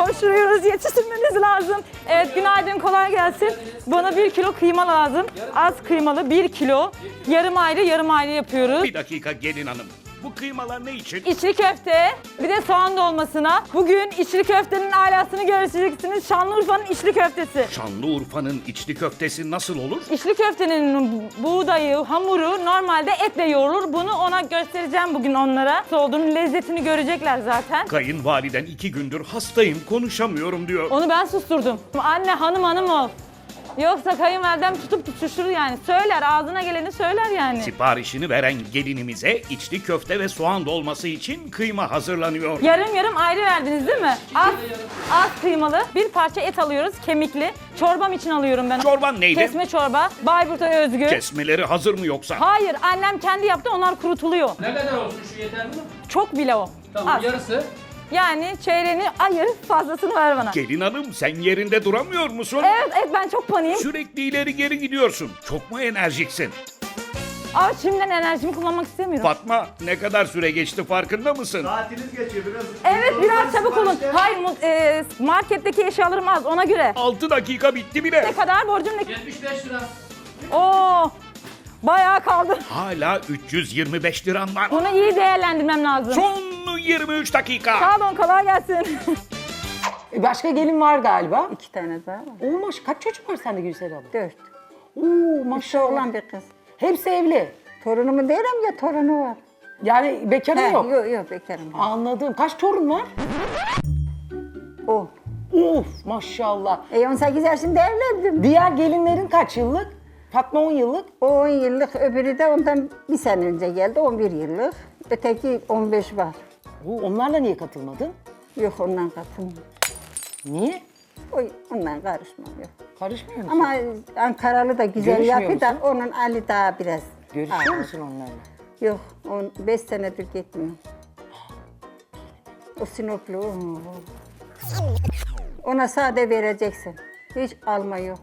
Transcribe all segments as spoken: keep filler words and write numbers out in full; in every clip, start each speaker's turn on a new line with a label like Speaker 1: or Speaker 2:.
Speaker 1: Koşturuyoruz, yetiştirmeniz lazım. Evet, günaydın, kolay gelsin. Bana bir kilo kıyma lazım. Az kıymalı bir kilo. Yarım ayrı, yarım ayrı yapıyoruz.
Speaker 2: Bir dakika gelin hanım. Bu kıymalar ne için?
Speaker 1: İçli köfte, bir de soğan dolmasına. Bugün içli köftenin alasını göreceksiniz. Şanlıurfa'nın içli köftesi.
Speaker 2: Şanlıurfa'nın içli köftesi nasıl olur?
Speaker 1: İçli köftenin buğdayı, hamuru normalde etle yoğrulur. Bunu ona göstereceğim bugün onlara. Nasıl olduğunu, lezzetini görecekler zaten.
Speaker 2: Kayınvaliden iki gündür hastayım konuşamıyorum diyor.
Speaker 1: Onu ben susturdum. Anne hanım hanım ol. Yoksa kayınvalidem tutup tutuşturur yani. Söyler, ağzına geleni söyler yani.
Speaker 2: Siparişini veren gelinimize içli köfte ve soğan dolması için kıyma hazırlanıyor.
Speaker 1: Yarım yarım ayrı verdiniz değil mi? Az, az kıymalı. Bir parça et alıyoruz, kemikli. Çorbam için alıyorum ben.
Speaker 2: Çorban neydi?
Speaker 1: Kesme çorba. Bayburt'a özgü.
Speaker 2: Kesmeleri hazır mı yoksa?
Speaker 1: Hayır, annem kendi yaptı, onlar kurutuluyor.
Speaker 3: Ne kadar olsun, şu yeter mi?
Speaker 1: Çok bile o.
Speaker 3: Tamam,
Speaker 1: Az.
Speaker 3: yarısı.
Speaker 1: Yani çeyreğini ayır, fazlasını ver bana.
Speaker 2: Gelin hanım sen yerinde duramıyor musun?
Speaker 1: Evet, evet ben çok paniğim.
Speaker 2: Sürekli ileri geri gidiyorsun. Çok mu enerjiksin?
Speaker 1: Ama şimdiden enerjimi kullanmak istemiyorum.
Speaker 2: Fatma ne kadar süre geçti farkında mısın?
Speaker 4: Saatiniz geçiyor biraz.
Speaker 1: Evet, biraz çabuk olun. Hayır, mu- e, marketteki eşyalarım az, ona göre.
Speaker 2: altı dakika bitti bile.
Speaker 1: Ne kadar borcum ne?
Speaker 3: yetmiş beş lira.
Speaker 1: Oo, bayağı kaldı.
Speaker 2: Hala üç yüz yirmi beş liran var.
Speaker 1: Bunu iyi değerlendirmem lazım.
Speaker 2: Son yirmi üç dakika.
Speaker 1: Sağ olun, kolay gelsin.
Speaker 5: E, Başka gelin var galiba.
Speaker 6: İki tane daha var.
Speaker 5: Oo maş kaç çocuk var sende Gülsel abla?
Speaker 6: Dört.
Speaker 5: Oo
Speaker 6: Bir
Speaker 5: maşallah.
Speaker 6: oğlan bir kız.
Speaker 5: Hepsi evli.
Speaker 6: Torunumu derim ya torunu var.
Speaker 5: Yani bekarı
Speaker 6: He,
Speaker 5: yok.
Speaker 6: yok yok bekarım.
Speaker 5: Anladım. Kaç torun var?
Speaker 6: O.
Speaker 5: Of maşallah.
Speaker 6: E on sekiz yaşında evlendim.
Speaker 5: Diğer gelinlerin kaç yıllık? Fatma on yıllık.
Speaker 6: O on yıllık, öbürü de ondan bir sene önce geldi, on bir yıllık. Öteki on beş var.
Speaker 5: Oo, onlarla niye katılmadın?
Speaker 6: Yok ondan katılmıyor.
Speaker 5: Niye?
Speaker 6: O, ondan karışmam yok.
Speaker 5: Karışmıyor musun?
Speaker 6: Ama Ankaralı da güzel
Speaker 5: Görüşmüyor
Speaker 6: yapıyor da
Speaker 5: musun?
Speaker 6: onun Ali daha biraz.
Speaker 5: Görüşüyor
Speaker 6: ağır.
Speaker 5: musun onlarla?
Speaker 6: Yok, on beş senedir gitmiyor. O Sinoplu. o. Ona sade vereceksin. Hiç alma yok.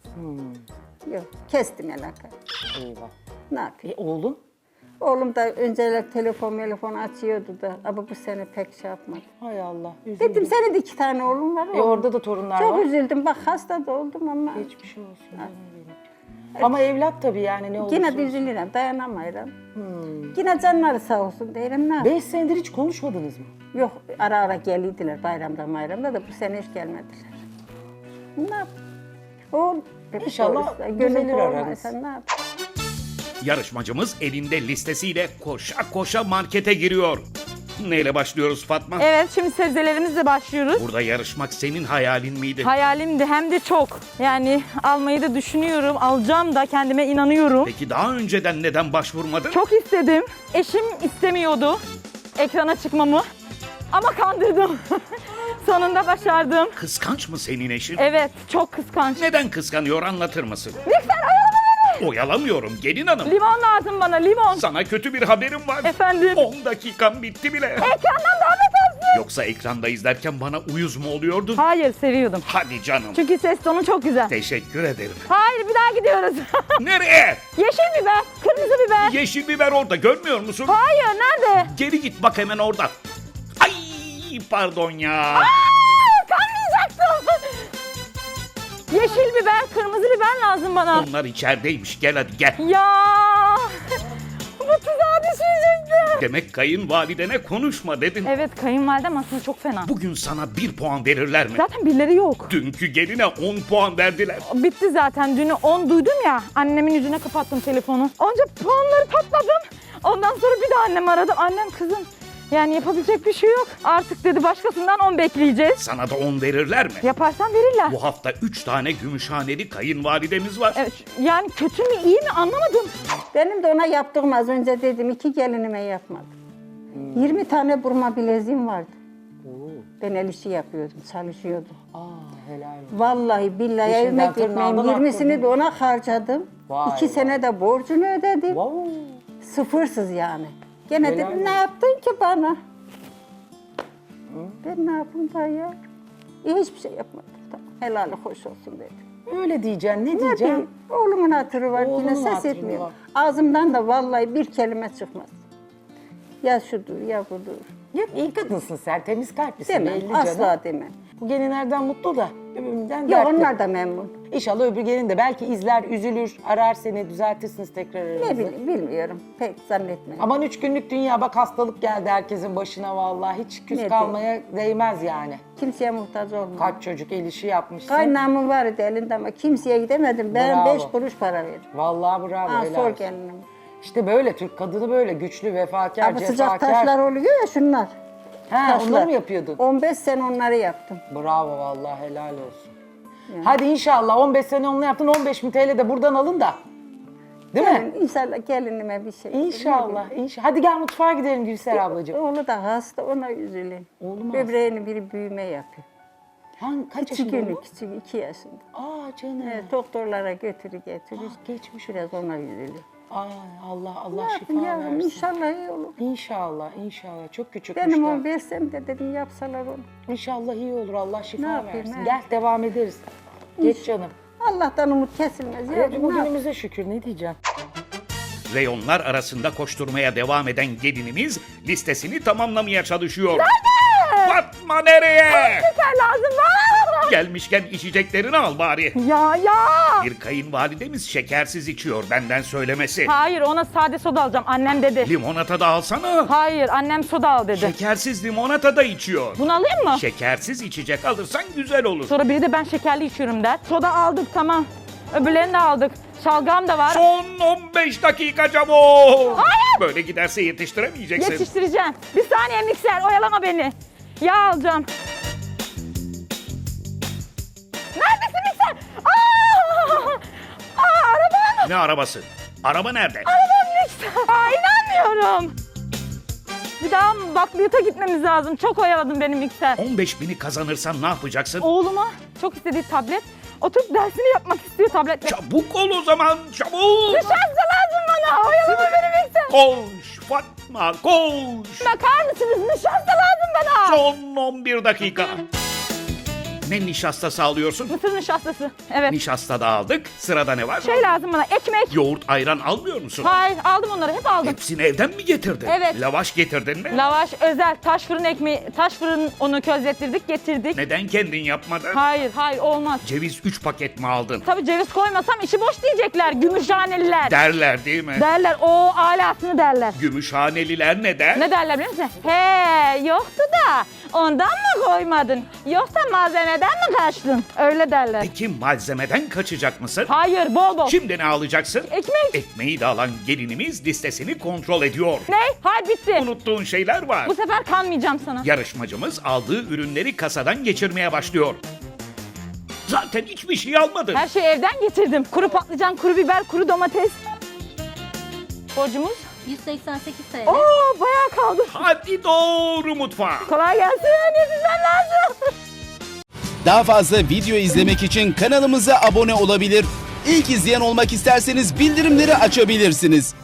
Speaker 6: Yok, kestim alakayı.
Speaker 5: Eyvah.
Speaker 6: Ne yapayım?
Speaker 5: E oğlun?
Speaker 6: Oğlum da önceler telefon telefon açıyordu da ama bu sene pek şey yapmadı.
Speaker 5: Hay Allah. Üzüldüm.
Speaker 6: Dedim senin de iki tane oğlun var.
Speaker 5: E
Speaker 6: oğlum.
Speaker 5: orada da torunlar
Speaker 6: Çok
Speaker 5: var.
Speaker 6: üzüldüm. Bak hasta da oldum ama
Speaker 5: Geçmiş olsun canım benim. Ama evlat tabii yani ne olursa
Speaker 6: yine de
Speaker 5: olsun.
Speaker 6: üzülürüm, dayanamayırım. Yine canları sağ olsun derim ne yapayım?
Speaker 5: Beş senedir hiç konuşmadınız mı?
Speaker 6: Yok ara ara geliydiler bayramda bayramda da bu sene hiç gelmediler. Ne yap? O
Speaker 5: İnşallah
Speaker 6: gönül
Speaker 5: düzelir
Speaker 6: olmazsa
Speaker 5: aranız.
Speaker 6: ne yap?
Speaker 2: Yarışmacımız elinde listesiyle koşa koşa markete giriyor. Neyle başlıyoruz Fatma?
Speaker 1: Evet, şimdi sebzelerimizle başlıyoruz.
Speaker 2: Burada yarışmak senin hayalin miydi?
Speaker 1: Hayalimdi, hem de çok. Yani almayı da düşünüyorum, alacağım da, kendime inanıyorum.
Speaker 2: Peki daha önceden neden başvurmadın?
Speaker 1: Çok istedim. Eşim istemiyordu ekrana çıkmamı. Ama kandırdım. Sonunda başardım.
Speaker 2: Kıskanç mı senin eşin?
Speaker 1: Evet, çok kıskanç.
Speaker 2: Neden kıskanıyor anlatır mısın?
Speaker 1: Lütfen oyalama beni.
Speaker 2: Oyalamıyorum gelin hanım.
Speaker 1: Limon lazım bana, limon.
Speaker 2: Sana kötü bir haberim var.
Speaker 1: Efendim?
Speaker 2: on dakikam bitti bile.
Speaker 1: Ekrandan daha betersin.
Speaker 2: Yoksa ekranda izlerken bana uyuz mu oluyordun?
Speaker 1: Hayır, seviyordum.
Speaker 2: Hadi canım.
Speaker 1: Çünkü ses tonu çok güzel.
Speaker 2: Teşekkür ederim.
Speaker 1: Hayır, bir daha gidiyoruz.
Speaker 2: Nereye?
Speaker 1: Yeşil biber, kırmızı biber.
Speaker 2: Yeşil biber orada görmüyor musun?
Speaker 1: Hayır, nerede?
Speaker 2: Geri git bak hemen orada. Ay pardon ya.
Speaker 1: Aa, kanmayacaktım. Yeşil biber, kırmızı biber lazım bana.
Speaker 2: Onlar içerideymiş gel hadi gel.
Speaker 1: Ya, bu tuzağa düşecektim.
Speaker 2: Demek kayınvalidene konuşma dedin.
Speaker 1: Evet, kayınvalidem aslında çok fena.
Speaker 2: Bugün sana bir puan verirler mi?
Speaker 1: Zaten birileri yok.
Speaker 2: Dünkü geline on puan verdiler.
Speaker 1: Bitti zaten. Dünü on duydum ya. Annemin yüzüne kapattım telefonu. Onca puanları patladım. Ondan sonra bir daha annemi aradım. Annem kızım, yani yapabilecek bir şey yok. Artık dedi başkasından on bekleyeceğiz.
Speaker 2: Sana da on verirler mi?
Speaker 1: Yaparsan verirler.
Speaker 2: Bu hafta üç tane gümüşhaneli kayınvalidemiz var.
Speaker 1: Evet, yani kötü mü iyi mi anlamadım.
Speaker 6: Benim de ona yaptığım az önce dedim iki gelinime yapmadım. yirmi tane burma bileziğim vardı. Ben el işi yapıyordum, çalışıyordum.
Speaker 5: Aa helal olsun.
Speaker 6: Vallahi billahi
Speaker 5: Eşinden
Speaker 6: evime gitmeyeyim.
Speaker 5: tırnağından
Speaker 6: yirmisini
Speaker 5: attırdın.
Speaker 6: de ona harcadım.
Speaker 5: Vay
Speaker 6: İki
Speaker 5: vay.
Speaker 6: sene de borcunu ödedim.
Speaker 5: Wow.
Speaker 6: Sıfırsız yani. Gene
Speaker 5: Helal
Speaker 6: dedim
Speaker 5: olsun.
Speaker 6: ne yaptın ki bana? Ben ne yapayım da ya? İyi, hiçbir şey yapmadım. Tamam, helali hoş olsun dedim.
Speaker 5: Öyle diyeceksin. Ne
Speaker 6: Ne
Speaker 5: diyeceksin?
Speaker 6: diyeyim? Oğlumun hatırı var,
Speaker 5: Oğlunun
Speaker 6: yine ses
Speaker 5: hatırı
Speaker 6: etmiyor.
Speaker 5: var.
Speaker 6: Ağzımdan da vallahi bir kelime çıkmaz. Ya şudur ya budur.
Speaker 5: Yok iyi kadınsın sen. Temiz kalplisin
Speaker 6: Demem,
Speaker 5: belli canım.
Speaker 6: asla demem.
Speaker 5: Bu gelinlerden mutlu da öbüründen
Speaker 6: Yok
Speaker 5: dertli.
Speaker 6: onlar da memnun.
Speaker 5: İnşallah öbür gelin de belki izler, üzülür, arar seni, düzeltirsiniz tekrar aranızı.
Speaker 6: Ne bileyim bilmiyorum. Pek zannetmiyorum.
Speaker 5: Aman üç günlük dünya, bak hastalık geldi herkesin başına vallahi. Hiç küs
Speaker 6: Ne
Speaker 5: kalmaya değmez yani.
Speaker 6: Kimseye muhtaç olmam.
Speaker 5: Kaç çocuk el işi yapmışsın.
Speaker 6: Kaynağımın vardı elinde ama kimseye gidemedim. Ben
Speaker 5: Bravo.
Speaker 6: beş kuruş para verdim.
Speaker 5: Vallahi bravo.
Speaker 6: Ha,
Speaker 5: helal
Speaker 6: sor
Speaker 5: olsun.
Speaker 6: gelinim.
Speaker 5: İşte böyle Türk kadını böyle güçlü, vefakar,
Speaker 6: Ama sıcak
Speaker 5: cefakar.
Speaker 6: taşlar oluyor ya şunlar.
Speaker 5: Ha,
Speaker 6: taşlar.
Speaker 5: onları mı yapıyordun?
Speaker 6: on beş sene onları yaptım.
Speaker 5: Bravo vallahi, helal olsun. Hadi inşallah on beş sene onunla yaptın, on beş bin T L de buradan alın da. Değil mi?
Speaker 6: Gelin, İnşallah gelinime bir şey.
Speaker 5: İnşallah, inşallah. Hadi gel mutfağa gidelim Gülser ablacığım.
Speaker 6: Oğlu da hasta, ona üzülün.
Speaker 5: Oğlum
Speaker 6: Böbreğini biri büyüme yapıyor.
Speaker 5: Hangi, kaç
Speaker 6: Küçük
Speaker 5: yaşında
Speaker 6: günü,
Speaker 5: oğlum?
Speaker 6: küçük iki yaşında.
Speaker 5: Aa canım.
Speaker 6: Evet, doktorlara götürü getirir.
Speaker 5: Ah, geçmiş
Speaker 6: Biraz ona üzülüyor.
Speaker 5: Ay Allah, Allah
Speaker 6: Ne
Speaker 5: şifa
Speaker 6: yapayım yavrum,
Speaker 5: versin.
Speaker 6: inşallah iyi olur.
Speaker 5: İnşallah, inşallah. Çok küçükmüş
Speaker 6: Benim
Speaker 5: daha.
Speaker 6: on versem de dedim yapsalar onu.
Speaker 5: İnşallah iyi olur, Allah
Speaker 6: Ne
Speaker 5: şifa
Speaker 6: yapayım,
Speaker 5: versin.
Speaker 6: he?
Speaker 5: Gel devam ederiz. Geç canım.
Speaker 6: Allah'tan umut kesilmez.
Speaker 5: Evet,
Speaker 6: yavrum, ne yapayım?
Speaker 5: bugünümüze şükür, ne diyeceğim?
Speaker 2: Reyonlar arasında koşturmaya devam eden gelinimiz listesini tamamlamaya çalışıyor. Fatma nereye?
Speaker 1: Şeker lazım. Aa!
Speaker 2: Gelmişken içeceklerini al bari.
Speaker 1: Ya ya.
Speaker 2: Bir kayınvalidemiz şekersiz içiyor, benden söylemesi.
Speaker 1: Hayır, ona sade soda alacağım. Annem dedi.
Speaker 2: Limonata da alsana.
Speaker 1: Hayır, annem soda al dedi.
Speaker 2: Şekersiz limonata da içiyor.
Speaker 1: Bunu alayım mı?
Speaker 2: Şekersiz içecek alırsan güzel olur.
Speaker 1: Sonra biri de ben şekerli içiyorum der. Soda aldık, tamam. Öbürlerini de aldık. Şalgam da var.
Speaker 2: Son on beş dakika çabuk.
Speaker 1: Hayır.
Speaker 2: Böyle giderse yetiştiremeyeceksin.
Speaker 1: Yetiştireceğim. Bir saniye mikser, oyalama beni. Yağ alacağım. Neredesin mikser? Aa! Aa, arabam.
Speaker 2: Ne arabası? Araba nerede?
Speaker 1: Arabam mikser. Aa, inanmıyorum. Bir daha bakliyata gitmemiz lazım. Çok oyaladın beni mikser.
Speaker 2: on beş bini kazanırsan ne yapacaksın?
Speaker 1: Oğluma çok istediği tablet. Oturup dersini yapmak istiyor tabletle.
Speaker 2: Çabuk ol o zaman, çabuk.
Speaker 1: Nişasta lazım bana. Oyalama beni mikser.
Speaker 2: Koş Fatma, koş.
Speaker 1: Bakar mısınız? Nişasta lazım bana.
Speaker 2: Son on bir dakika. Ne nişastası alıyorsun?
Speaker 1: Mısır nişastası. Evet.
Speaker 2: Nişasta da aldık. Sırada ne var?
Speaker 1: Şey lazım bana, ekmek.
Speaker 2: Yoğurt, ayran almıyor musun?
Speaker 1: Hayır, aldım onları, hep aldım.
Speaker 2: Hepsini evden mi getirdin?
Speaker 1: Evet.
Speaker 2: Lavaş getirdin mi?
Speaker 1: Lavaş özel, taş fırın ekmeği, taş fırın onu közlettirdik, getirdik.
Speaker 2: Neden kendin yapmadın?
Speaker 1: Hayır, hayır olmaz.
Speaker 2: Ceviz üç paket mi aldın?
Speaker 1: Tabii ceviz koymasam işi boş diyecekler, gümüşhaneliler.
Speaker 2: Derler değil mi?
Speaker 1: derler, o alasını derler.
Speaker 2: Gümüşhaneliler ne der?
Speaker 1: Ne derler biliyor musun? He, yoktu da ondan mı koymadın? Yoksa malzemeden mi kaçtın? Öyle derler.
Speaker 2: Peki malzemeden kaçacak mısın?
Speaker 1: Hayır, bol bol.
Speaker 2: Şimdi ne alacaksın?
Speaker 1: Ekmek.
Speaker 2: Ekmeği de alan gelinimiz listesini kontrol ediyor.
Speaker 1: Ne? Hayır, bitti.
Speaker 2: Unuttuğun şeyler var.
Speaker 1: Bu sefer kanmayacağım sana.
Speaker 2: Yarışmacımız aldığı ürünleri kasadan geçirmeye başlıyor. Zaten hiçbir şey almadın.
Speaker 1: Her şeyi evden getirdim. Kuru patlıcan, kuru biber, kuru domates. Borcumuz?
Speaker 3: yüz seksen sekiz T L.
Speaker 1: Oo, bayağı kaldı.
Speaker 2: Hadi doğru mutfağa.
Speaker 1: Kolay gelsin. Yetişmem lazım.
Speaker 4: Daha fazla video izlemek için kanalımıza abone olabilir. İlk izleyen olmak isterseniz bildirimleri açabilirsiniz.